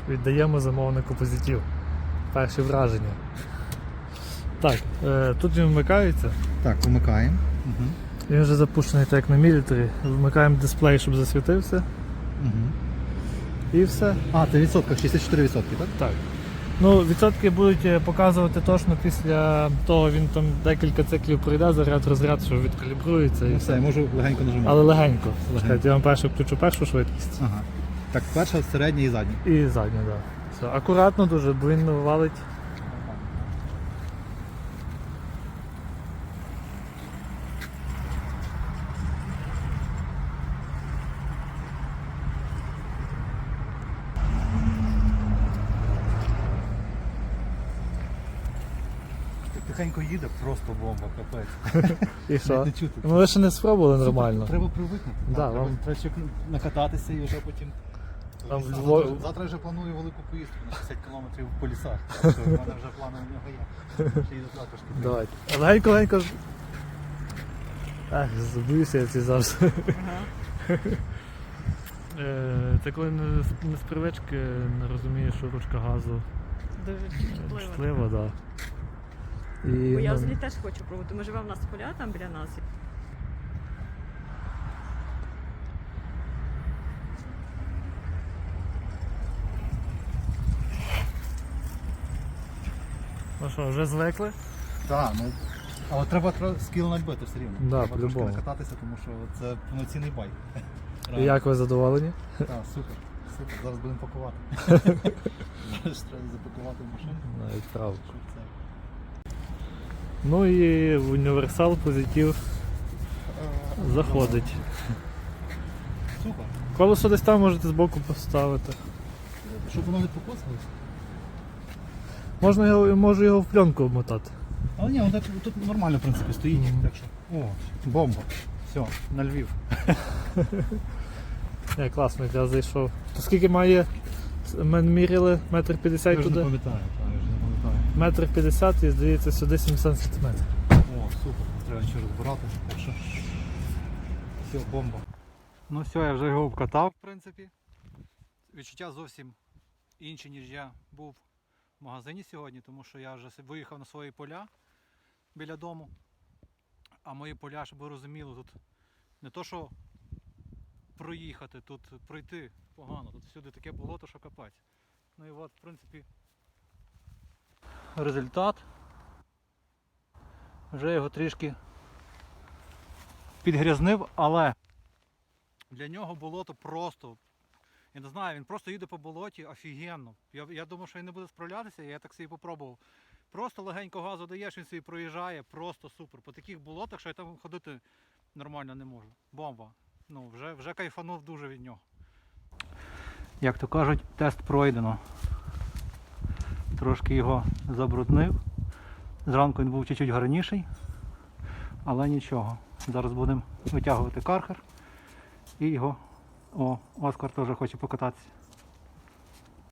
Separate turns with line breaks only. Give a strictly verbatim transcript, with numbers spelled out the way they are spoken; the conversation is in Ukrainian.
Віддаємо замовнику позитив. Перші враження. Так, е, тут він вмикається.
Так, вмикаємо. Угу.
Він вже запущений так як на мілітарі. Вмикаємо дисплей, щоб засвітився.
Угу.
І все.
А, це в відсотках, шістдесят чотири відсотки, так?
Так. Ну, відсотки будуть показувати точно після того, він там декілька циклів пройде, заряд, розряд, що відкалібрується і
Ну, все, я
все.
можу легенько нажимати.
Але легенько.
Легенько.
Чекайте, я вам першу включу першу швидкість.
Ага. Так, перша, середня і задня.
І задню, так. Да. Все. Акуратно дуже, бо він валить.
Тихенько їде, просто бомба, капець.
І що?
Не чути.
Ну ви ще не спробували нормально.
Треба привикнути.
Да,
Так, треба,
вам-
треба ще накататися і вже потім.
Там
Завтра,
Львов-
завтра вже планую велику поїздку на шістдесят кілометрів по лісах. Так що в мене вже плани у нього є. Ще їду також.
Давайте. Легенько, легенько. Ах, забуюся я ці завжди. Е, Це коли не з- не з привички не розумієш, що ручка газу
Дуже чутлива.
чутлива, так. Да. І,
Бо я
ну,
взагалі теж хочу пробувати. Ми живемо в нас поля там біля нас.
Ну що, вже звикли?
Так, ну. Але треба тро- скіл набити все рівно.
Да,
треба трошки
по-любому.
накататися, тому що це повноцінний байк.
І як ви задоволені?
Так, супер. Супер. Зараз будемо пакувати. Зараз треба запакувати в машину.
Навіть правда.
щоб це-
Ну і в універсал позитив заходить.
Супер.
Колесо десь там можете збоку поставити.
Щоб воно не покосилось.
Можна його, можу його в пленку обмотати.
Але ні, он так, тут нормально в принципі стоїть.
Мгм.
Так що. О, бомба. Все, на Львів.
Не, класно, я зайшов. То скільки має? Ми міряли метр
Я
п'ятдесят
вже не
туди.
пам'ятаю, так, я вже не пам'ятаю.
Метр п'ятдесят і здається сюди сімдесят сантиметрів.
О, супер, треба ще розбирати, так що все, бомба. Ну все, я вже його вкатав, в принципі. Відчуття зовсім інші, ніж я був в магазині сьогодні, тому що я вже виїхав на свої поля біля дому. А мої поля, щоб ви розуміли, тут не то, що проїхати, тут пройти погано, тут всюди таке болото, що капець. Ну і от, в принципі, результат. Вже його трішки підгрязнив, але для нього болото просто, я не знаю, він просто їде по болоті офігенно. Я, я думав, що він не буде справлятися, я так собі попробував. Просто легенько газу даєш, він собі проїжджає, просто супер. По таких болотах, що я там ходити нормально не можу. Бомба. Ну, вже, вже кайфанув дуже від нього. Як то кажуть, тест пройдено. Трошки його забруднив. Зранку він був чуть-чуть гарніший, але нічого. Зараз будемо витягувати кархер і його. О, Оскар теж хоче покататися.